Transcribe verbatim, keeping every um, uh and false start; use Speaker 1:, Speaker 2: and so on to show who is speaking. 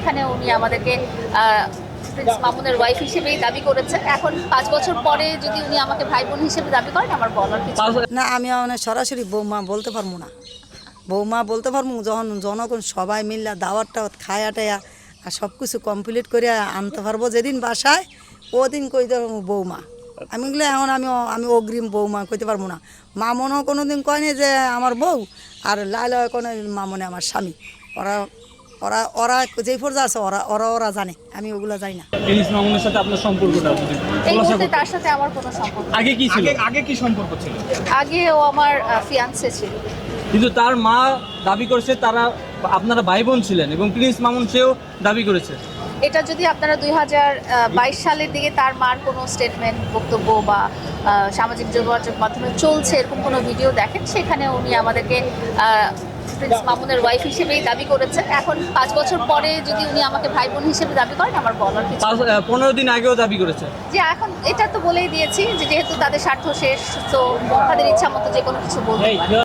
Speaker 1: সেখানে উনি আমাদেরকে প্রিন্স মামুনের ওয়াইফ হিসেবেই দাবি করেছেন। এখন পাঁচ বছর পরে যদি উনি আমাকে ভাই বোন হিসেবে দাবি করেন, আমার বলার কিছু
Speaker 2: না, আমি মানে সরাসরি বৌমা বলতে পারবো না। বৌমা বলতে পারবো যখন জনগণ সবাই মিললে দাওয়াত টাওয়াত খায়া টায়া আর সব কিছু কমপ্লিট করে আনতে পারবো যেদিন বাসায়, ওদিন কইতে পারবো বৌমা। আমি গেলে এখন আমি আমি অগ্রিম বৌমা কইতে পারবো না। মামনও কোনো দিন কয়নি যে আমার বউ, আর লাইলা কোনো মামনে আমার স্বামী। ওরা ওরা ওরা যেই পর্যায়ে আছে ওরা ওরা ওরা জানে, আমি ওগুলো জানি না।
Speaker 3: প্রিন্স মামুনের সাথে আপনার সম্পর্কটা যদি
Speaker 1: এই
Speaker 3: খোলাসা
Speaker 1: মুহূর্তে
Speaker 3: করতেন।
Speaker 1: তার সাথে আমার কোনো সম্পর্ক নেই।
Speaker 3: আগে কি ছিল?
Speaker 4: আগে আগে কি সম্পর্ক ছিল?
Speaker 1: আগে ও আমার ফিয়ান্সে ছিল।
Speaker 3: কিন্তু তার মা দাবি করেছে তারা আপনারা ভাই বোন ছিলেন এবং প্রিন্স মামুন সেও দাবি করেছে।
Speaker 1: এটা যদি আপনারা দুই হাজার বাইশ সালের দিকে তার মার কোনো স্টেটমেন্ট, বক্তব্য বা আহ, সামাজিক যোগাযোগ মাধ্যমে চলছে এরকম কোনো ভিডিও দেখেন, সেখানে উনি আমাদেরকে আহ, প্রিন্স মামুনের ওয়াইফ হিসেবেই দাবি করেছেন। এখন পাঁচ বছর পরে যদি উনি আমাকে ভাই বোন হিসেবে দাবি করেন, আমার বলার কিছু
Speaker 3: পাঁচ আহ, পনেরো দিন আগেও দাবি করেছে।
Speaker 1: যে এখন এটা তো বলেই দিয়েছি যে যেহেতু তাদের স্বার্থ শেষ, তো তাদের ইচ্ছা মতো যে কোনো কিছু বলতে পারে।